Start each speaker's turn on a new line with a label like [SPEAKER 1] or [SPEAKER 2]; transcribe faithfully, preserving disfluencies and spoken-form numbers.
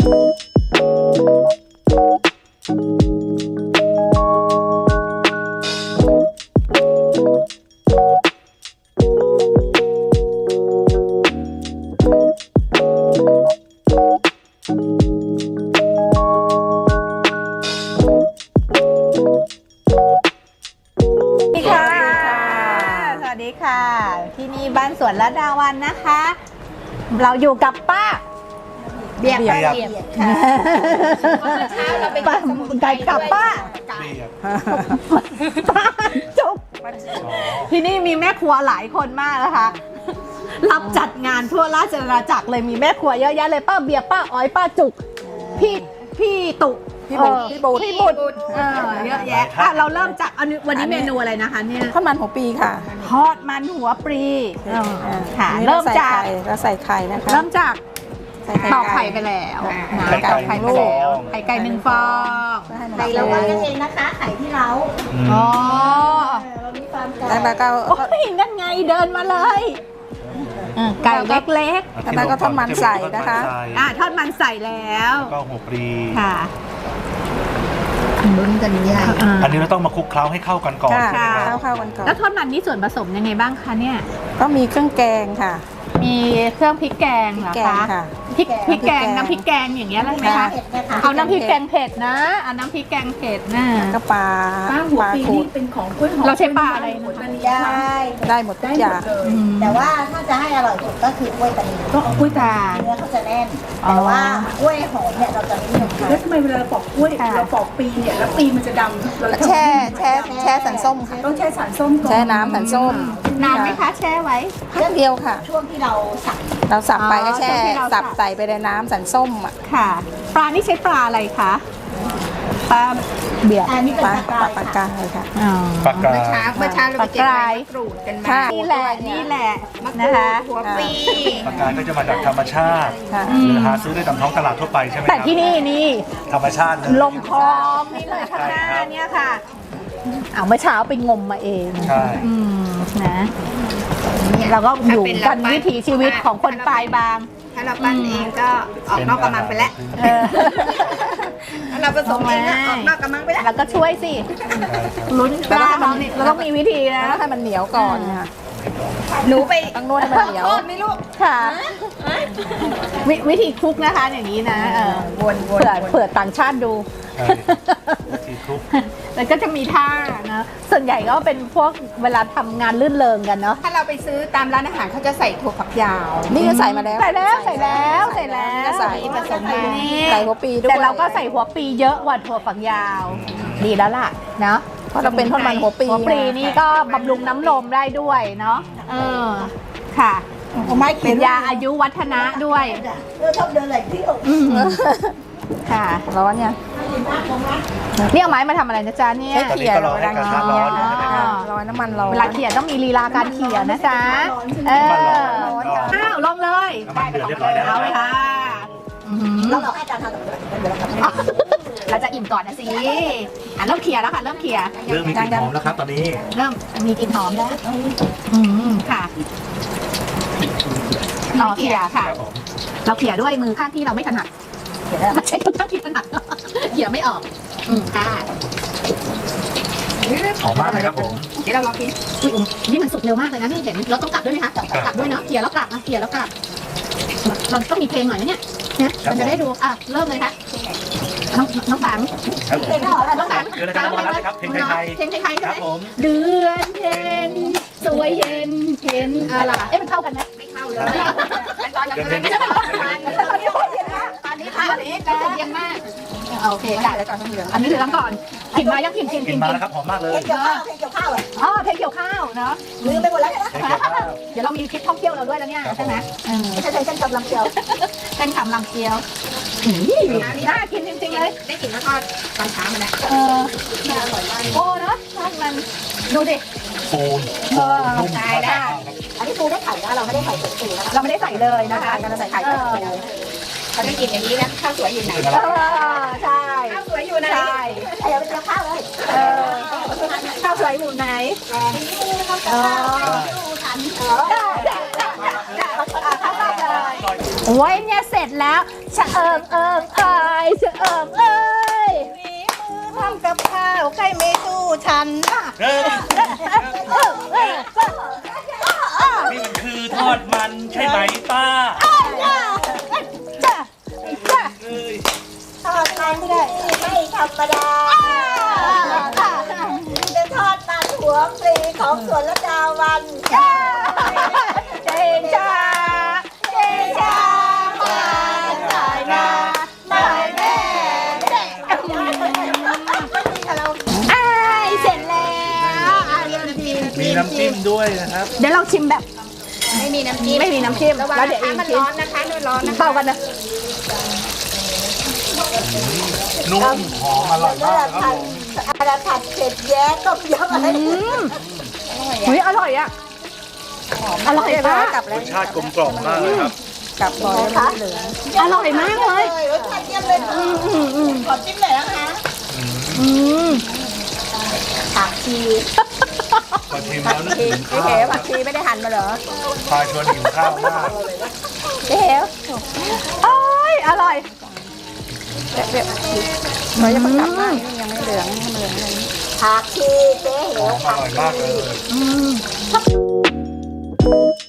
[SPEAKER 1] ที่นี่บ้านสวนระดาวันนะคะ เราอยู่กับป้าเบียบป้าเบียบค่ะเช้าเราไปไก่กับป้าป้าจุ๊บที่นี่มีแม่ครัวหลายคนมากนะคะรับจัดงานทั่วราชอาณาจักรเลยมีแม่ครัวเยอะแยะเลยป้าเบียบป้าอ้อยป้าจุกพี่พี่ตุ
[SPEAKER 2] พี่บุตรพี่บุตร
[SPEAKER 1] พี่บุตรเยอะแยะอ่ะเราเริ่มจากวันนี้เมนูอะไรนะคะเนี่ย
[SPEAKER 2] ทอดมันหัวปีค่ะ
[SPEAKER 1] ทอดมันหัวปลีค่ะเริ่มจาก
[SPEAKER 2] เราใส่ไข่นะคะ
[SPEAKER 1] เริ่มจากตอกไข่ไปแล้ว
[SPEAKER 3] ไข่ไก่
[SPEAKER 1] ไข่ไปแล้วไข่ไก่หนึ่งฟอง
[SPEAKER 4] ไข่เราไว้กันเองนะคะไข่ที่เรา
[SPEAKER 1] อ๋อ
[SPEAKER 4] เรามีความไก่
[SPEAKER 2] แล้วก็
[SPEAKER 1] โอ้ยนั่นไงเดินมาเลยไก่เล็ก
[SPEAKER 2] ๆแล้วก็ทอดมันใส่นะคะ
[SPEAKER 1] อ่าทอดมันใส่แล้ว
[SPEAKER 3] ก็หัวปลี
[SPEAKER 1] ค่ะ
[SPEAKER 4] ลุ้นกันใหญ่
[SPEAKER 3] อันนี้เราต้องมาคลุกเคล้าให้เข้ากันก่อน
[SPEAKER 2] ใช่ไหมครับเข้ากันก่อน
[SPEAKER 1] แล้วทอดมันนี่ส่วนผสมยังไงบ้างคะเนี่ย
[SPEAKER 2] ก็มีเครื่องแกงค่ะ
[SPEAKER 1] มีเครื่องพริกแกงเหรอคะพริกพริกแกงน้ำพริกแกงอย่างเงี้ยได้ไหมคะเอาน้ำพริกแกงเผ็ดนะเอาน้ำพริกแกงเผ็ดนะ
[SPEAKER 2] ก็ปลา
[SPEAKER 4] ปลาขูดเป็นของกล้วยหอม
[SPEAKER 1] เราใช้ปลาอะไร
[SPEAKER 4] ได้
[SPEAKER 2] ได้หมดทุกอย่าง
[SPEAKER 4] แต่ว่าถ้าจะให้อร่อยสุดก็คือกล้วยตานี
[SPEAKER 1] ก็กล้วยตา
[SPEAKER 4] เนื้อเขาจะแน่นแต่ว่ากล้วยหอมเนี่ยเราจะไม่เหมือนกัน
[SPEAKER 5] แล้วทำไมเวลาเราปอกกล้วยเราปอกปีเนี่ยแล้วปีมันจะดำเรา
[SPEAKER 2] แช่แช่แช่สันส้มค่ะ
[SPEAKER 5] ต้องแช่สารส้มก่อน
[SPEAKER 2] แช่น้ำสันส้ม
[SPEAKER 1] นานไหมคะแช่ไว้
[SPEAKER 2] พักเดียวค่ะ
[SPEAKER 4] ช่วงที่เราสับ
[SPEAKER 2] เราสับไปก็แช่สับใส่ไปในน้ำสันส้มอ่ะ
[SPEAKER 1] ค่ะปลานี่ใช้ปลาอะไรคะปลาเบียร์
[SPEAKER 4] อันนี้เป็นปลา
[SPEAKER 2] ปลากายค่ะ
[SPEAKER 3] ปลากาย
[SPEAKER 5] เมื่อเช้าเมื่อเช้าเราไปเก็บใบมะกรูดกันมา
[SPEAKER 1] นี่แหละนี่แหละนะคะ
[SPEAKER 5] หัวปี
[SPEAKER 3] ปลากายก็จะมาจากธรรมชาติหรือหาซื้อได้ตามท้องตลาดทั่วไปใช่ไหมครับ
[SPEAKER 1] แต่ที่นี่นี่
[SPEAKER 3] ธรรมชาติ
[SPEAKER 1] ลงคลองนี่เลยข้างหน้าเนี่ยค่ะเอาเมื่อเช้าไปงมมาเอง
[SPEAKER 3] ใช่
[SPEAKER 1] นะเราก็อยู่กันวิถีชีวิตของคนปลายบาง
[SPEAKER 5] ถ้าเราปั้นเองก็ออกนอกกำลังไปแล้วถ้าเราผสมเองออกนอกกำลังไปแล้ว
[SPEAKER 1] เราก็ช่วยสิลุ้นปลาเราเนี่ยเราต้องมีวิธีนะ
[SPEAKER 2] ให้มันเหนียวก่อนค่ะ
[SPEAKER 5] หนูไป
[SPEAKER 2] ต้องนวดให้มันเหนียว
[SPEAKER 5] ไม่รู้
[SPEAKER 1] ค่ะวิธีคลุกนะคะอย่างนี้นะ
[SPEAKER 5] วน
[SPEAKER 1] เผื่อเผื่อต่างชาติดูแล้วก็จะมีท่านะส่วนใหญ่ก็เป็นพวกเวลาทำงานลื่นเริงกันเนาะ
[SPEAKER 5] ถ้าเราไปซื้อตามร้านอาหารเขาจะใส่ถั่วฝักยาว
[SPEAKER 2] นี่ก็ใส่มาแล้ว
[SPEAKER 1] ใส่แล้วใส่แล้วใส่แล้ว
[SPEAKER 2] ใส่
[SPEAKER 1] ผสมมา
[SPEAKER 2] ใส่หัวปีด้วย
[SPEAKER 1] แต่เราก็ใส่หัวปีเยอะกว่าถั่วฝักยาวดีแล้วล่ะเนาะ
[SPEAKER 2] เพราะเราเป็นทอดมันหัวปี
[SPEAKER 1] หัวปีนี่ก็บำรุงน้ำนมได้ด้วยเนาะเออค่ะเป็นยาอายุวัฒนะด้วย
[SPEAKER 4] เราชอบเดินไหลที่อก
[SPEAKER 1] ค่ะ
[SPEAKER 2] ร้อนเนี่ย
[SPEAKER 1] นี่เอาไม้มาทำอะไรนะจ๊ะเนี่ย
[SPEAKER 3] เขี่ยเราดังนี้
[SPEAKER 2] ร้อนน้ำมันร้อน
[SPEAKER 1] เวลาเขี่ยต้องมีลีลาการเขี่ยนะจ๊ะเออข้าวลงเลย
[SPEAKER 3] เดือดเรียบร้อยแล้ว
[SPEAKER 1] เอาไปค่ะ
[SPEAKER 4] เราบอกให้อาจารย์ทำ
[SPEAKER 1] เราจะอิ่มก่อนนะสิอ่ะเริ่มเขี่ยแล้วค่ะเริ่มเขี่ย
[SPEAKER 3] เริ่มมีกลิ่นหอมแล้วครับตอนนี้
[SPEAKER 1] เริ่มมีกลิ่นหอมแล้วอืมค่ะเราเขี่ยค่ะเราเขี่ยด้วยมือข้างที่เราไม่ถนัดไม่ใช่ข้างที่ถนัดเขี่ยไม่ออกอืมค่ะ
[SPEAKER 3] หอมมากเลยครับผม
[SPEAKER 1] เดี๋ยวเราลองกินอุ้ยนี่มันสุกเร็วมากเลยนะนี่เห็นเราต้องกลับด้วยไหมคะกลับด้วยเนาะเขี่ยแล้วกลับนะเขี่ยแล้วกลับเราต้องมีเพลงหน่อยนะเนี่ยนะมันจะได้ดูอ่ะเริ่มเลยค่ะน้องน้องปัง
[SPEAKER 3] เพลงน้องปังเดือนการวันแล้วครับเพลงไทย
[SPEAKER 1] เพลงไทยครับผมเดือนเพ็ญสวยเย็นเพ็ญอะไรเอ๊ะมันเข้ากันไหมไม่เข้าเลยตอนนี้ตอนนี้ตอนนี้ตอนนี้ตอนนี้จะเย็นมากโอเคได้แล้วก่อนเหลืองอันนี้เหลืองก่อนกลิ่นมายังกลิ่นกลิ่น
[SPEAKER 3] กลิ่นมาแล้วครับหอมมากเลย
[SPEAKER 4] เพลงเกี่ยวข้าวเพลงเกี่ยวข้าว
[SPEAKER 1] อ๋อเพลงเกี่ยวข้าวเนาะ
[SPEAKER 4] ลืมไปหมดแล้วใช่ไหม
[SPEAKER 1] เดี๋ยวเรามีคลิปท่องเที่ยวเราด้วยแล้วเนี่ยใช่ไหม
[SPEAKER 4] ไม่ใช่เส้นกำลังเชียว
[SPEAKER 1] เส้นคำลำเกียวน่ากินจริงๆเลย
[SPEAKER 5] ได้กลิ่นทอดตอนเช้ามาแล้ว
[SPEAKER 1] เออโอ้เนาะทอดมันดูดิ
[SPEAKER 3] ปูน
[SPEAKER 1] เออใช่ได้
[SPEAKER 4] อันนี้ปูได้ไข่นะเราไม่ได้ใส่ปูนะ
[SPEAKER 1] เราไม่ได้ใส่เลยนะคะ
[SPEAKER 4] เราใส่ไข่เออ
[SPEAKER 5] เขาได้กินอย่างนี้นะข้าวสวยอยู่ไหน
[SPEAKER 1] ใช่
[SPEAKER 5] ข้าวสวยอยู่ไหน
[SPEAKER 1] ใช่
[SPEAKER 4] ใส่เอาไปเจียวข้าวเลย
[SPEAKER 1] เออข้าวสวยอยู่ไหน
[SPEAKER 4] เออขันเออ
[SPEAKER 1] โอ้ยเนี่ยเสร็จแล้วชะเอิงเอิงเอ้ยชะเอิงเอ้ย
[SPEAKER 5] ฝีมือทำกับข้าวใครไม่สู้ฉัน
[SPEAKER 3] เออนี่มันคือทอดมันใช่ไหมป้า
[SPEAKER 1] จ้ะจ้ะ
[SPEAKER 3] เอ้ย
[SPEAKER 4] ทอดมันที่ไม่ธรรมดาเป็นทอดมันหัวปลีของสวนละดาวัน
[SPEAKER 1] เจนจ้าเจนจ้ามาสายนาสายแม่อ้ายเสร็จแล้วอ่ะเดี๋ยวชิม
[SPEAKER 3] มีน้ำจิ้มด้วยนะครับ
[SPEAKER 1] เดี๋ยวเราชิมแบบ
[SPEAKER 5] ไม่มีน้ำจิ้ม
[SPEAKER 1] ไม่มีน้ำจิ้ม
[SPEAKER 5] ระวัง
[SPEAKER 1] แล้วเดี๋ยว
[SPEAKER 5] นะ
[SPEAKER 1] อี
[SPEAKER 5] คะ
[SPEAKER 1] ก
[SPEAKER 5] มัน
[SPEAKER 1] ชิม
[SPEAKER 5] ร้อนนะคะด้วยร้อนนะคะ
[SPEAKER 1] เป่ากันนะ
[SPEAKER 3] นุ่มหอมอร่อยมากครับผม
[SPEAKER 4] อะไรผัดเผ็ดแย้ต้มยำอะไร
[SPEAKER 1] อืมเฮ้ยอร่อยอ่ะอร่อยมาก
[SPEAKER 2] กลับ
[SPEAKER 3] ร
[SPEAKER 2] แล้ว
[SPEAKER 3] สชาติกลมกล่อมมากเลยครับ
[SPEAKER 2] กลับบ่อยแล้วเหลือง
[SPEAKER 1] อร่อยมากเลย
[SPEAKER 4] รสชาติเยี่ยมเลยอืมอืมอืมขอจิ้มหน่อยนะคะ
[SPEAKER 1] อืม
[SPEAKER 4] ผักชี
[SPEAKER 3] พอชิมแล้วนึก
[SPEAKER 2] ชี
[SPEAKER 3] ถึง
[SPEAKER 2] พี่
[SPEAKER 3] ข้า
[SPEAKER 2] เข
[SPEAKER 3] ว
[SPEAKER 2] ผักชีไม่ได้หั่นมาเหรอ
[SPEAKER 3] พาชวนหิวข้าวมาก
[SPEAKER 2] พี่เข
[SPEAKER 1] โอ้ยอร่อย
[SPEAKER 2] เดี๋ยวเขาจะมากลับมานี่ยังไม่เหลืองให้มันเหลืองเลย
[SPEAKER 4] ผักชีเจ๊เห
[SPEAKER 3] ห
[SPEAKER 4] ว
[SPEAKER 3] อมอร่อยมากเลย
[SPEAKER 1] อืม